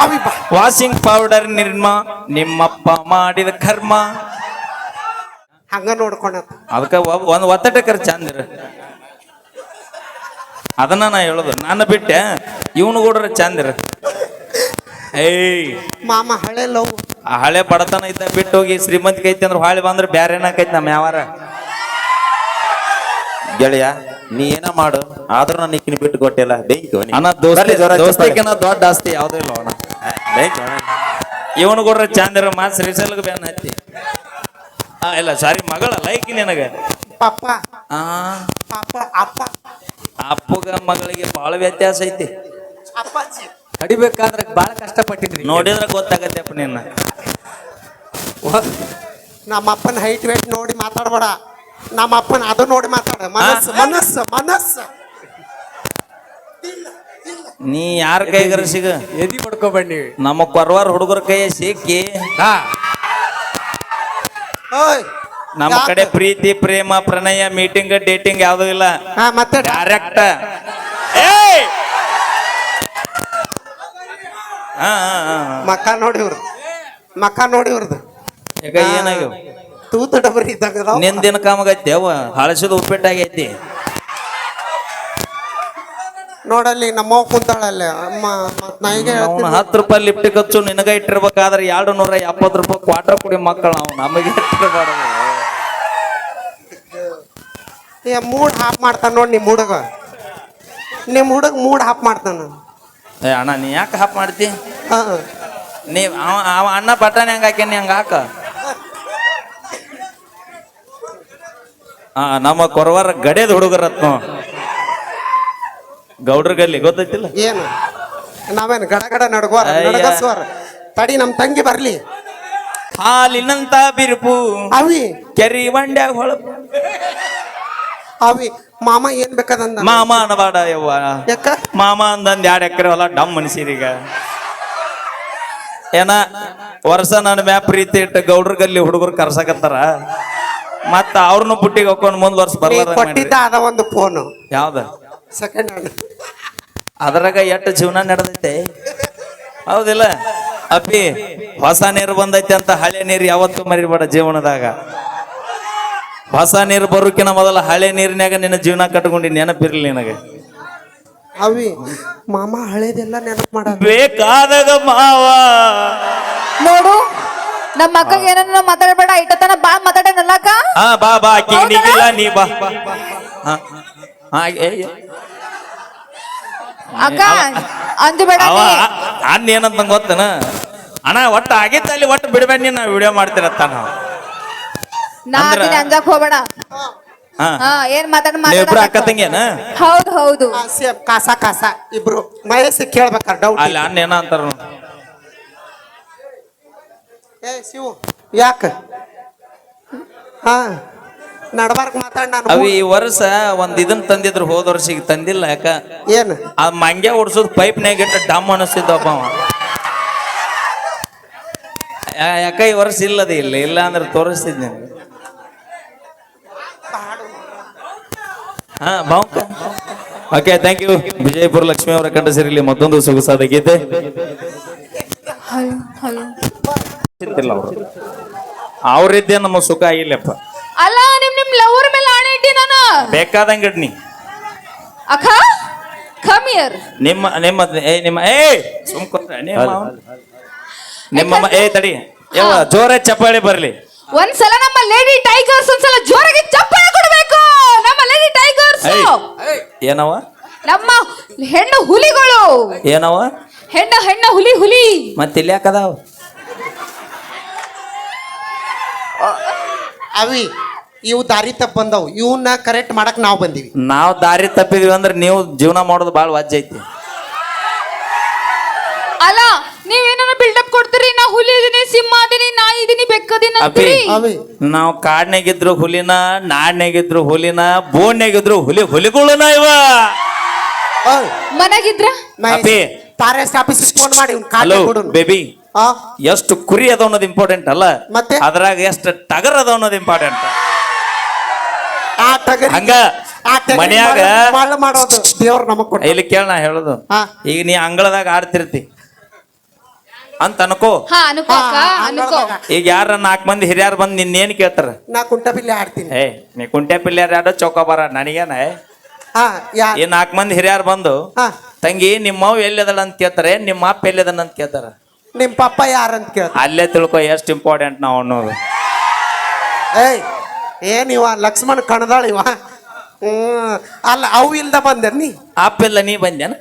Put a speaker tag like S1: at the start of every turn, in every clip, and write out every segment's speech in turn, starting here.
S1: ಅವಿ ಬಾ
S2: washing powder ನಿರ್ಮ ನಿಮ್ಮಪ್ಪ ಮಾಡಿದ ಕರ್ಮ.
S1: ಹಂಗ ನೋಡ್ಕೊಂಡ
S2: ಅದಕ್ಕ ಒಂದ್ ಒತ್ತಟಕರ ಚಂದಿರ. ಅದನ್ನ ನಾ ಹೇಳುದು. ನಾನು ಬಿಟ್ಟೆ ಇವನು ಕೂಡ ಚಂದಿರ. ಏಯ್
S1: ಮಾಮ ಹಳೆ ಲವ್.
S2: ಆ ಹಳೆ ಬಡತನ ಇದ್ದ ಬಿಟ್ಟು ಹೋಗಿ ಶ್ರೀಮಂತಿಗೆ ಐತಿ ಅಂದ್ರೆ ಹಾಳಿ ಬಂದ್ರೆ ಬ್ಯಾರೆ ಏನಾಕೈತಿ ನಮ್ಮ ಯಾವಾರ
S3: ಗೆಳೆಯ ನೀ ಏನ ಮಾಡು ಆದ್ರೂ ನಾನು ಈಕಿನ ಬಿಟ್ಟು ಕೊಟ್ಟಿಲ್ಲ ಬೆಂಕಿ
S2: ಅಣ್ಣ ದೋಸ್ತಿಕಿನ ದೊಡ್ಡ ಆಸ್ತಿ ಯಾವ್ದು ಇಲ್ಲ ಅಣ್ಣ. ಇವನು ಕೂಡ ಚಂದಿರ ಮಾಸ್ ರಿಸಲ್ಗೆ ಬ್ಯಾನ್ ಹತ್ತಿ. ಇಲ್ಲ ಸಾರಿ ಮಗಳ ಲೈಕಿ ನಿನಗ
S1: ಪಾಪ
S2: ಆ
S1: ಪಾಪ ಅಪ್ಪ
S2: ಅಪ್ಪಗ ಮಗಳಿಗೆ ಬಾಳ ವ್ಯತ್ಯಾಸ ಐತಿ.
S1: ಅಪ್ಪಾಜಿ
S4: ಕಡಿಬೇಕಾದ್ರೆ ಬಾಳ ಕಷ್ಟಪಟ್ಟಿದ್ರಿ.
S2: ನೋಡಿದ್ರೆ ಗೊತ್ತಾಗತ್ತೆಪ್ಪ ನಿನ್ನ.
S1: ನಮ್ಮ ಅಪ್ಪನ ಹೈಟ್ ವೇಟ್ ನೋಡಿ ಮಾತಾಡ್ಬೇಡ. ನಮ್ಮ ಅಪ್ಪನ ಅದು ನೋಡಿ ಮಾತಾಡ. ಮನಸ್ಸು ಮನಸ್ಸು ಮನಸ್ಸು.
S2: ನೀ ಯಾರ ಕೈಗಾರ ಸಿಗ
S4: ಎದಿ ಪಡ್ಕೋಬೇಡಿ.
S2: ನಮ್ಮ ಕೊರವಾರ ಹುಡುಗರ ಕೈ ಸಿಕ್ಕಿ
S1: ಓಯ್
S2: ನಮ್ಮ ಕಡೆ ಪ್ರೀತಿ ಪ್ರೇಮ ಪ್ರಣಯ ಮೀಟಿಂಗ್ ಡೇಟಿಂಗ್ ಯಾವ್ದು ಇಲ್ಲ.
S1: ಮತ್ತೆ
S2: ಡೈರೆಕ್ಟ್
S1: ಮಕ್ಕ ನೋಡಿವ್ರದು ಮಕ್ಕ ನೋಡಿವ್ರದು
S2: ಈಗ ಏನಾಗ್ಯವ
S1: ತೂತು ಡಬರಿ ಇದ್ದಾಗ
S2: ನಿಂದಿನ ಕಾಮಗೈತಿ ಅವ ಹಳಸಿದ ಉಪ್ಪಿಟ್ಟಾಗೈತಿ.
S1: ನೋಡಲ್ಲಿ ನಮ್ಮವ್ ಕುಂತಾಳಲ್ಲಿ ಅಮ್ಮ ನಾಯಿಗೆ
S2: ಅವ್ನು 10 ರೂಪಾಯಿ ಲಿಫ್ಟ್ ಖರ್ಚು ನಿನಗ ಇಟ್ಟಿರ್ಬೇಕಾದ್ರೆ 270 ರೂಪಾಯಿ ಕ್ವಾರ್ಟರ್ ಕುಡಿ ಮಕ್ಕಳು ನಾವು ನಮಗೆ ಇಟ್ಟಿರ್ಬಾರ್ದು.
S1: ಮೂಡ್ ಹಾಪ್ ಮಾಡ್ತಾನ ನೋಡಿ ನಿಮ್ಮ ಹುಡುಗ ಮೂಡ್ ಹಾಪ್ ಮಾಡ್ತಾನ.
S2: ಏ ಅಣ್ಣ ನೀ ಯಾಕೆ ಹಾಪ್ ಮಾಡ್ತಿ?
S1: ಹಾ
S2: ನೀ ಅವ ಅಣ್ಣ ಬಟಾಣಿ ಹಂಗ ಹಾಕ್ಯಾನಿ ಹಂಗ ಹಾಕ. ನಮ್ಮ ಕೊರವಾರ ಗಡೇದ ಹುಡುಗರತ್ನ ಗೌಡ್ರ ಗಲ್ಲಿ ಗೊತ್ತೈತಿಲ್ಲ
S1: ಏನು ನಾವೇನು ಗಡ ಗಡ ನಡಗಸ್ವಾರ ತಡಿ ನಮ್ ತಂಗಿ ಬರ್ಲಿ.
S2: ಹಾಲಿನಂತ ಬಿರುಪು
S1: ಅವಿ
S2: ಕೆರಿ ಬಂಡ್ಯಾಗ ಹೊಳಪು.
S1: ಅವಿ ಮಾಮ ಏನ್ ಬೇಕಾದಂದ
S2: ಮಾಮ ಅನ್ನಬಾಡ ಯವ್ವ.
S1: ಯಾಕ
S2: ಮಾಮ ಅಂದಂದ್ 2 ಎಕರೆ ಹೊಲ ಡಮ್ ಮನ್ಸೀರೀಗ ಏನ ವರ್ಷ ನನ್ನ ಮ್ಯಾ ಪ್ರೀತಿ ಇಟ್ಟು ಗೌಡ್ರ ಗಲ್ಲಿ ಹುಡುಗರು ಕರ್ಸಕತ್ತಾರ. ಮತ್ತ ಅವ್ರನ್ನು ಬುಟ್ಟಿಗೆ ಹಾಕೊಂಡ್ ಮುಂದ್ ವರ್ಷ ಬರ್ಲಾರ
S1: ಕೊಟ್ಟಿದ್ದ ಅದ ಒಂದು ಫೋನು
S2: ಯಾವ್ದ
S1: ಸೆಕೆಂಡ್ ಹ್ಯಾಂಡ್.
S2: ಅದ್ರಾಗ ಎಷ್ಟು ಜೀವನ ನಡೆದೈತೆ ಹೌದಿಲ್ಲ ಅಪ್ಪಿ. ಹೊಸ ನೀರು ಬಂದೈತೆ ಅಂತ ಹಳೆ ನೀರು ಯಾವತ್ತೂ ಮರಿಬೇಡ ಜೀವನದಾಗ. ಹೊಸ ನೀರು ಬರೋಕಿನ ಮೊದಲ ಹಳೆ ನೀರಿನಾಗ ನಿನ್ನ ಜೀವನ ಕಟ್ಕೊಂಡಿ ನೆನಪಿರ್ಲಿ ನಿನಗೆ.
S1: ಅವಿ ಮಾಮ ಹಳೇದೆಲ್ಲ ನೆನಪು ಮಾಡ
S2: ಬೇಕಾದಾಗ ಮಾವ
S5: ನೋಡು ನಮ್ಮ ಅಕ್ಕಗೆ ಏನನ್ನ ಮಾತಾಡಬೇಡ. ಇಟ್ಟತನ ಬಾ ಮಾತಾಡನಲ್ಲಕ್ಕ.
S2: ಬಾ ಬಾ ಆಕಿ ನೀಗಿಲ್ಲ ನೀ ಬಾ.
S5: ಅಕ್ಕ ಅಂಜಬೇಡ.
S2: ಅಣ್ಣ ಏನಂತ ಗೊತ್ತನ ಅಣ್ಣ ಒಟ್ಟು ಆಗಿತ್ತ ಅಲ್ಲಿ ಒಟ್ಟು ಬಿಡ್ಬೇಡ ನೀನ್ ವಿಡಿಯೋ ಮಾಡ್ತಿರತ್ತ ನಾವು
S5: ಅಂಜಕ್ ಹೋಗ್ಬೇಡ. ಏನ್
S2: ಇಬ್ರು ಅಕ್ಕ ತಂಗಿಯನ?
S5: ಹೌದು ಹೌದು.
S1: ಕಾಸ ಕಾಸ ಇಬ್ರು ಮಹೇಶ್ ಕೇಳ್ಬೇಕಾರ ಡೌಟ್.
S2: ಅಲ್ಲಿ ಅಣ್ಣ ಏನ ಅಂತಾರ
S1: ಏ ಶಿವು ಯಾಕ ಹಾ ನಡ್ಬಾರ್ಕ್ ಮಾತಾಡ. ನಾನು
S2: ಅವಿ ಈ ವರ್ಷ ಒಂದ್ ಇದನ್ ತಂದಿದ್ರು ಹೋದ ವರ್ಷಿಗೆ ತಂದಿಲ್ಲ. ಯಾಕ
S1: ಏನು
S2: ಆ ಮಂಗ್ಯ ಓಡಿಸೋದು ಪೈಪ್ನಾಗ ಇಟ್ಟು ಡಮ್ ಅನಿಸ್ತಿದ್ದಪ್ಪ ಅವ. ಯಾಕ ಈ ವರ್ಷ ಇಲ್ಲದ ಇಲ್ಲ ಅಂದ್ರೆ ತೋರಿಸ್ತಿದ್ದೆ. Okay thank you. Vijayapura Lakshmi ಅವರ ಕಂಡ ಸೇರಿಲಿ ಮತ್ತೊಂದು ಸೊಗಸಾದ ಗೀತೆ. ಅವ್ರಿದ್ದೆ ನಮ್ಮ ಸುಖ ಆಗಿಲ್ಲಪ್ಪ.
S5: ಅಲ್ಲ ನಿಮ್ ಲವರ್ ಮೇಲೆ ಆಣೆ ಇಟ್ಟಿ ನಾನು.
S2: ಬೇಕಾದಂಗ ನೀ
S5: ಅಕ್ಕ ಕಮ್ ಹಿಯರ್.
S2: ನಿಮ್ಮ ತಡಿ ಯಾವ ಜೋರ ಚಪ್ಪಾಳಿ ಬರ್ಲಿ.
S5: ಒಂದ್ಸಲ ನಮ್ಮ ಲೇಡಿ ಟೈಗರ್ಸ್ ಒಂದ್ಸಲ ಜೋರಾಗಿ ಚಪ್ಪಾಳೆ ಕೊಡ್ಬೇಕು. ನಮ್ಮ ಲೇಡಿ ಟೈಗರ್ಸ್
S2: ಏನವ
S5: ನಮ್ಮ ಹೆಣ್ಣು ಹುಲಿಗಳು.
S2: ಏನವ
S5: ಹೆಣ್ಣ ಹುಲಿ
S2: ಮತ್ತೆ ಇಲ್ಲಿ ಯಾಕದಾವ
S1: ಅವಿ ಇವು ದಾರಿ ತಪ್ಪ ಬಂದವು. ಇವನ್ನ ಕರೆಕ್ಟ್ ಮಾಡಕ್ ನಾವು ಬಂದಿವಿ.
S2: ನಾವು ದಾರಿ ತಪ್ಪಿದ್ವಿ ಅಂದ್ರೆ ನೀವು ಜೀವನ ಮಾಡೋದು ಬಾಳ ವಾಜ್ಯ ಐತಿ.
S5: ಅಲ್ಲ ನೀವೇನ ಬಿಲ್ಡಪ್ ಕೊಡ್ತೀರಿ. ನಾ ಹುಲಿ ಇದೀನಿ, ಸಿಂಹ ಅದೀನಿ, ನಾಯಿ ಇದೀನಿ, ಬೆಕ್ಕದೀನಿ ಅಂತೀರಿ.
S2: ನಾವು ಕಾಡ್ನಾಗಿದ್ರು ಹುಲಿನ, ನಾಡ್ನಾಗಿದ್ರು ಹುಲಿನ, ಬೋನ್ಯಾಗಿದ್ರು ಹುಲಿಗಳನ ಇವ.
S5: ಮನೆಗಿದ್ರ
S1: ಫಾರೆಸ್ಟ್ ಆಫೀಸ್ ಫೋನ್ ಮಾಡಿ
S2: ಹಲೋ ಬೇಬಿ ಎಷ್ಟು ಕುರಿ ಅದ ಅನ್ನೋದು ಇಂಪಾರ್ಟೆಂಟ್ ಅಲ್ಲ,
S1: ಮತ್ತೆ
S2: ಅದ್ರಾಗ ಎಷ್ಟು ಟಗರ್ ಅದ ಅನ್ನೋದು ಇಂಪಾರ್ಟೆಂಟ್. ಹಂಗ ಮನ್ಯಾಗ
S1: ಮಾಡೋದು ದೇವ್ರ ನಮಗ್ ಕೊಟ್ಟ.
S2: ಇಲ್ಲಿ ಕೇಳ ನಾ ಹೇಳುದು. ಈಗ ನೀ ಅಂಗಳದಾಗ ಆಡ್ತಿರ್ತಿ, ಅಂತ ಅನ್ಕೋ.
S5: ಹಾ ಅನ್ಕೋ ಅಕ್ಕ ಅನ್ಕೋ.
S2: ಈಗ ಯಾರ 4 ಮಂದಿ ಹಿರಿಯರ್ ಬಂದ್ ನಿನ್ನೇನ್ ಕೇಳ್ತಾರ?
S1: ನಾ ಕುಂಟಬಿಲ್ಲೆ ಆಡ್ತೀನಿ.
S2: ಏ ನೀ ಕುಂಟೆ ಪಿಲ್ಯಾರ ಯಾರೋ ಚೌಕಾಬಾರ ನನಗೇನ?
S1: ಹಾ ಯಾ
S2: ಈ 4 ಮಂದಿ ಹಿರಿಯರ್ ಬಂದು
S1: ಹಾ
S2: ತಂಗಿ ನಿಮ್ಮವ್ ಎಲ್ಲಿದಳ ಅಂತ ಕೇಳ್ತಾರೆ, ನಿಮ್ಮ ಅಪ್ಪ ಎಲ್ಲಿದನ ಅಂತ ಕೇಳ್ತಾರ.
S1: ನಿಮ್ ಪಪ್ಪ ಯಾರಂತ ಕೇಳ.
S2: ಅಲ್ಲೇ ತಿಳ್ಕೊ ಎಷ್ಟು ಇಂಪಾರ್ಟೆಂಟ್ ನಾವು ಅನ್ನೋದು.
S1: ಏಯ್ ಏನಿವ ಲಕ್ಷ್ಮಣ್ ಕಣದಾಳ ಇವ. ಅಲ್ಲ ಅವು ಇಲ್ದ ಬಂದೆ ನೀ.
S2: ಅಪ್ಪ ಇಲ್ಲ ನೀ ಬಂದ್ಯಾನ?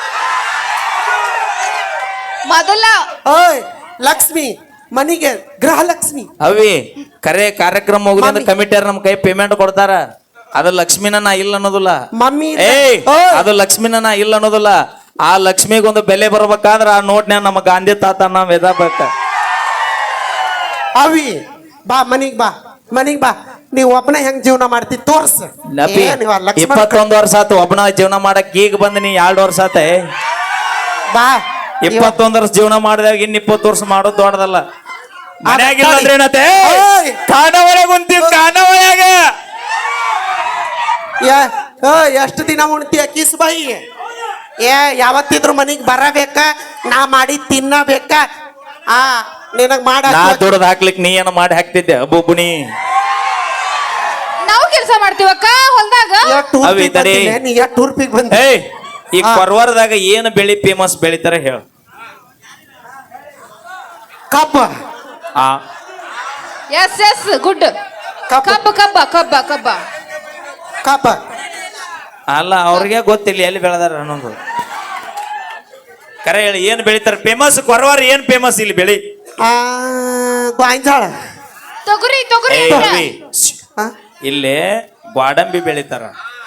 S5: ಮೊದಲ
S1: ಓಯ್ ಲಕ್ಷ್ಮಿ ಮನಿಗೆ ಗೃಹಲಕ್ಷ್ಮಿ.
S2: ಅವಿ ಕರೆ ಕಾರ್ಯಕ್ರಮ ಮುಗಿದ ಕಮಿಟಿಯರ್ ನಮ್ ಕೈ ಪೇಮೆಂಟ್ ಕೊಡ್ತಾರ. ಅದು ಲಕ್ಷ್ಮಿನ ನಾ ಇಲ್ಲ ಅನ್ನೋದಿಲ್ಲ.
S1: ಮಮ್ಮಿ
S2: ಏಯ್ ಅದು ಲಕ್ಷ್ಮಿನ ನಾ ಇಲ್ಲ ಅನ್ನೋದಿಲ್ಲ. ಆ ಲಕ್ಷ್ಮಿಗೊಂದು ಬೆಲೆ ಬರ್ಬೇಕಾದ್ರ ಆ ನೋಟ್ನ್ಯಾಗ ನಮ್ಮ ಗಾಂಧಿ ತಾತ ನಾವ್ ಎದಬೇಕ.
S1: ಅವಿ ಬಾ ಮನಿಗ್ ಬಾ ಮನಿಗ್ ಬಾ. ನೀವ್ ಒಬ್ಬನ ಹೆಂಗ್ ಜೀವನ ಮಾಡ್ತಿ ತೋರ್ಸ.
S2: ನಪಿ
S1: ಏನಿವ ಲಕ್ಷ್ಮಣ್
S2: 21 ವರ್ಷ ಆತು ಒಬ್ಬನ ಜೀವನ ಮಾಡಕ್. ಈಗ ಬಂದ್ ನೀ 2 ವರ್ಷ ಆತ.
S1: ಬಾ
S2: 21 ವರ್ಷ ಜೀವನ ಮಾಡಿದಾಗ ಇನ್ 20 ವರ್ಷ ಮಾಡೋದು ದೊಡ್ಡದಲ್ಲ. ಮನ್ಯಾಗಿಲ್ಲ ಅಂದ್ರೆ ಏನತ್ತೆ?
S1: ಓಯ್!
S2: ಕಾಣವರೆಗ ಕುಂತೀವಿ ಕಾಣವರೆಗ.
S1: ಎಷ್ಟು ದಿನ ಉಣ್ತೀಯ ಕಿಸ್ ಬಾಯಿ? ಯಾವತ್ತಿದ್ರು ಮನಿಗ್ ಬರಬೇಕ, ನಾ ಮಾಡಿ ತಿನ್ನಬೇಕ. ಆ ನಿನಗ್ ಮಾಡ
S2: ನಾ ದುಡ್ದು ಹಾಕ್ಲಿಕ್ ನೀ ಏನ ಮಾಡಿ ಹಾಕ್ತಿದ್ದೆ ಬುಬ್ಬುಣಿ.
S5: ನಾವು ಕೆಲಸ ಮಾಡ್ತೀವಕ್ಕ ಹೊಲ್ದಾಗ.
S2: ಅವಿ ತಡಿ.
S1: ನೀ ಟೂರ್ಪಿಗ್ ಬಂದ.
S2: ಏಯ್ ಈ ಕೊರವಾರದಾಗ ಏನು ಬೆಳಿ ಫೇಮಸ್ ಬೆಳಿತಾರ ಹೇಳ?
S1: ಕಬ್ಬ.
S2: ಆ
S5: ಎಸ್ ಎಸ್ ಗುಡ್.
S1: ಕಬ್ಬ
S5: ಕಬ್ಬ ಕಬ್ಬ ಕಬ್ಬ ಕಬ್ಬ.
S1: ಕಬ್ಬ
S2: ಅಲ್ಲ ಅವ್ರಿಗೆ ಗೊತ್ತಿಲ್ಲ ಎಲ್ಲಿ ಬೆಳೆದಾರ ಅನ್ನೋದು. ಕರೆ ಹೇಳಿ ಏನ್ ಬೆಳಿತಾರ ಫೇಮಸ್? ಕೊರವಾರ ಏನ್ ಫೇಮಸ್ ಇಲ್ಲಿ ಬೆಳಿ?
S1: ಗಾಂಜಾಳ.
S5: ತೊಗರಿ ತೊಗರಿ
S2: ಏಯ್
S5: ಅಕ್ಕ.
S2: ಅವಿ, ಇಲ್ಲಿ ಗ್ವಾಡಂಬಿ ಬೆಳಿತಾರ.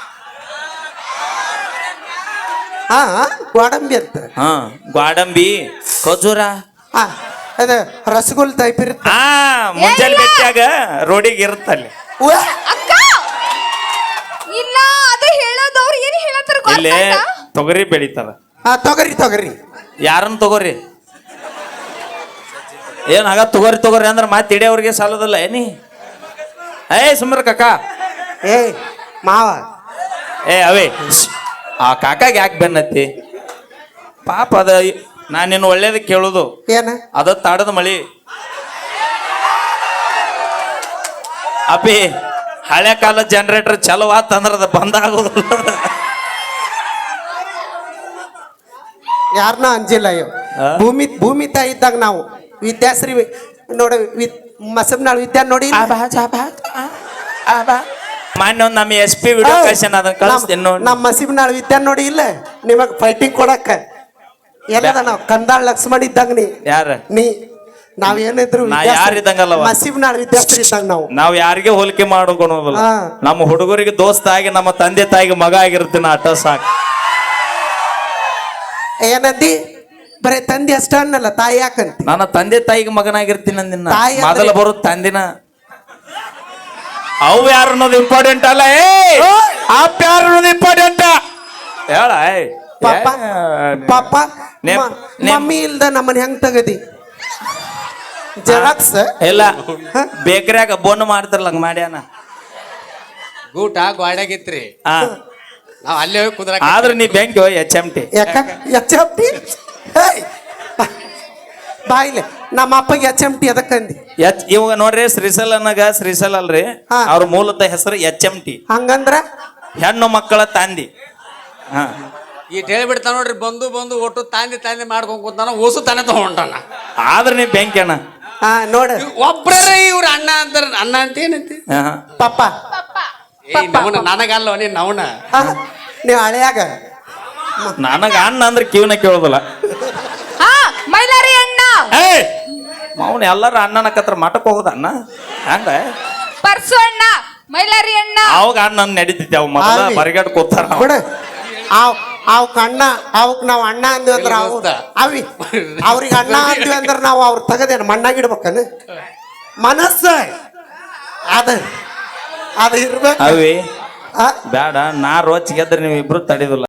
S1: ಹಾ ಗೋಡಂಬಿ ಅಂತ.
S2: ಹಾ ಗ್ವಾಡಂಬಿ ಖಜೂರ.
S1: ಹಾ ಅದ ರಸಗುಲ್ ಟೈಪ್ ಇರುತ್ತೆ.
S2: ಆ ಮುಂಜಾನೆ ಬೆಟ್ಟಾಗ ರೋಡಿಗೆ ಇರುತ್ತಲ್ಲಿ.
S5: ಅಕ್ಕ ಇಲ್ಲ ಅದು ಹೇಳೋದವ್ರು ಏನ್ ಹೇಳತ್ತಾರ
S2: ಇಲ್ಲಿ
S5: ಗೊತ್ತಾಯ್ತಾ?
S2: ತೊಗರಿ ಬೆಳಿತಾರ.
S1: ಹಾ ತೊಗರಿ ತೊಗರಿ.
S2: ಯಾರನ್ನ ತಗೋರಿ? ಏನ್ ಆಗ ತಗೋರಿ ತಗೋರಿ ಅಂದ್ರೆ ಮತ್ತೆ ಇಡಿಯವ್ರಿಗೆ ಸಾಲದಲ್ಲ ಏನಿ? ಏ ಸುಮ್ರ ಕಾಕ.
S1: ಏಯ್ ಮಾವ.
S2: ಏ ಅವೇ ಆ ಕಾಕಾಗ ಯಾಕೆ ಬೆನ್ನತ್ತಿ? ಪಾಪ ಅದ ನಾನು ನಿನ್ನ ಒಳ್ಳೇದ ಕೇಳುದು.
S1: ಏನ
S2: ಅದ ತಾಡದ ಮಳಿ. ಅಪ್ಪಿ ಹಳೆ ಕಾಲ ಜನರೇಟರ್ ಚಲೋ ಆತಂದ್ರ ಅದ ಬಂದ್ ಆಗೋದಿಲ್ಲ.
S1: ಯಾರನ್ನ ಅಂಜಿಲ್ಲ ಇವ್.
S2: ಆ?
S1: ಭೂಮಿ ತಾಯಿ ಇದ್ದಾಗ ನಾವು ವಿದ್ಯಾಶ್ರೀ ನೋಡ ಮಸಬ್ನಾಳ್ ವಿದ್ಯಾ ನೋಡಿ.
S2: ಮಾನ್ಯ ಒಂದ್ ನಮ್ಮ SP ವಿಡಿಯೋ ಕಳ್ಸ್ಯಾನ ಅದನ್ನ ಕಳಿಸ್ತೀನಿ ನೋಡಿ.
S1: ನಮ್ಮ ಮಸೀಬ್ನಾಳ್ ವಿದ್ಯಾ ನೋಡಿ ಇಲ್ಲ ನಿಮಗ್ ಫೈಟಿಂಗ್ ಕೊಡಕ್ಕ. ಎಲ್ಲದ ನಾವು ಕಂದಾಳ್ ಲಕ್ಷ್ಮಣ್ ಇದ್ದಂಗ
S2: ಯಾರ
S1: ನೀ ನಾವೇನಿದ್ರು
S2: ನಾ ಯಾರ್ ಇದ್ದಂಗಲ್ಲವ?
S1: ಮಸೀಬ್ನಾಳ್ ವಿದ್ಯಾಶ್ರೀ ಇದ್ದಂಗ ನಾವು.
S2: ನಾವ್ ಯಾರಿಗೆ ಹೋಲಿಕೆ ಮಾಡೋದಿಲ್ಲ.
S1: ಹಾ.
S2: ನಮ್ಮ ಹುಡುಗರಿಗೆ ದೋಸ್ತ ಆಗಿ ನಮ್ಮ ತಂದೆ ತಾಯಿಗೆ ಮಗ ಆಗಿರ್ತೀನಿ ಅಟ ಸಾಕು.
S1: ಏನಂದಿ? ಬರೇ ತಂದೆ ಅಷ್ಟ ಅನ್ನಲ್ಲ ತಾಯಿ ಯಾಕಂತ.
S2: ನನ್ನ ತಂದೆ ತಾಯಿಗೆ ಮಗನಾಗಿರ್ತೀನಿ ಅಂದಿನ.
S1: ತಾಯಿ ಅಂದ್ರೆ-
S2: ಮೊದಲ ಬರೋದು ತಂದಿನ. ಅವು ಯಾರು ಅನ್ನೋದು ಇಂಪಾರ್ಟೆಂಟ್ ಅಲ್ಲ. ಅಪ್ಪ ಯಾರು ಅನ್ನೋದು ಇಂಪಾರ್ಟೆಂಟ್. ಹೇಳ
S1: ಪಾಪ ಪಾಪ
S2: ನೇಮ್-
S1: ಮಮ್ಮಿ ಇಲ್ದ ನಮ್ಮನ್ ಹೆಂಗ್ ತಗದಿ? ಜೆರಾಕ್ಸ್
S2: ಇಲ್ಲ ಬೇಕರಿಯಾಗ ಬೋನ್ ಮಾಡ್ತಾರಲ್ಲ ಹಂಗ ಮಾಡ್ಯಾನ.
S4: ಗೂಟ ಗೋಡ್ಯಾಗಿತ್ರಿ.
S2: ಆ
S4: ನಾವ್ ಅಲ್ಲೇ ಹೋಗಿ ಕುಂದ್ರ.
S2: ಆದ್ರೆ ನೀ ಬೆಂಕಿ HMT.
S1: ಯಾಕ ಎಚ್.ಎಂ.ಟಿ. ಬಾಯಿಲೆ ನಮ್ಮ ಅಪ್ಪಗೆ ಎಚ್.ಎಂ.ಟಿ ಅದಕ್ಕಂದಿ.
S2: ಇವಾಗ ನೋಡ್ರಿ ಶ್ರೀಸಲ್ ಅಲ್ರಿ.
S1: ಹಾ.
S2: ಅವ್ರ ಮೂಲತಃ ಹೆಸರು HMT,
S1: ಹಂಗಂದ್ರ
S2: ಹೆಣ್ಣು ಮಕ್ಕಳ ತಂದಿ. ಹಾ
S4: ಈಟ್ ಹೇಳ್ಬಿಡ್ತಾನ ನೋಡ್ರಿ. ಬಂದು ಬಂದು ಒಟ್ಟು ತಾಂದಿ ಮಾಡ್ಕೊಂಡ್ ಕೂತಾನ. ಓಸು ತಾನೇ ತಗೊಂಡಾನ.
S2: ಆದ್ರೆ ನೀ ಬೆಂಕಿ ಅಣ್ಣ.
S1: ಹಾ ನೋಡ
S4: ಒಬ್ರೇ ಇವ್ರ ಅಣ್ಣ ಅಂತಾರ. ಅಣ್ಣ ಅಂತ ಏನಂತಿ?
S2: ಹಾ.
S1: ಪಪ್ಪ
S4: ಏ ನವನ ನನಗಲ್ಲ ನೀನ್ ನವನ.
S1: ಹಾ, ನೀವ್ ಹಳೆಯಾಗ
S2: ನನಗ ಅಣ್ಣ ಅಂದ್ರೆ ಕಿವಿನ ಕೇಳೋದಿಲ್ಲ.
S5: ಹಾ ಮೈಲಾರಿ ಅಣ್ಣ.
S2: ಏಯ್ ಅವನು ಎಲ್ಲಾರು ಅಣ್ಣನ ಕತ್ರ ಮಠಕ್ ಹೋಗುದ ಅಣ್ಣ ಹಂಗ
S5: ಪರ್ಸು ಅಣ್ಣ ಮೈಲಾರಿ ಅಣ್ಣ.
S2: ಅವಾಗ ಅಣ್ಣ ನಡೀತಿದ್ದೆ. ಅವ್ ಮೊದಲ
S1: ಆವಿ.
S2: ಬರಿಗಾಡ್ ಕೂತಾರ.
S1: ಬಿಡ ಅವಕ್ ಅಣ್ಣ ಅವಕ್ ನಾವ್ ಅಣ್ಣ ಅಂದ್ವಿ ಅಂದ್ರ ಅವ್ ಅವಿ ಅವ್ರಿಗೆ ಅಣ್ಣ ಅಂದ್ವಿ ಅಂದ್ರ ನಾವು ಅವ್ರ ತಗದೇನ ಮಣ್ಣಾಗಿಡ್ಬೇಕನ ಮನಸ್ಸ ಅದ ಅದ ಇರ್ಬೇಕು.
S2: ಅವಿ
S1: ಆ?
S2: ಬೇಡ ನಾ ರೋಚ್ ಗೆದ್ರೆ ನೀವು ಇಬ್ರು ತಡಿದಿಲ್ಲ.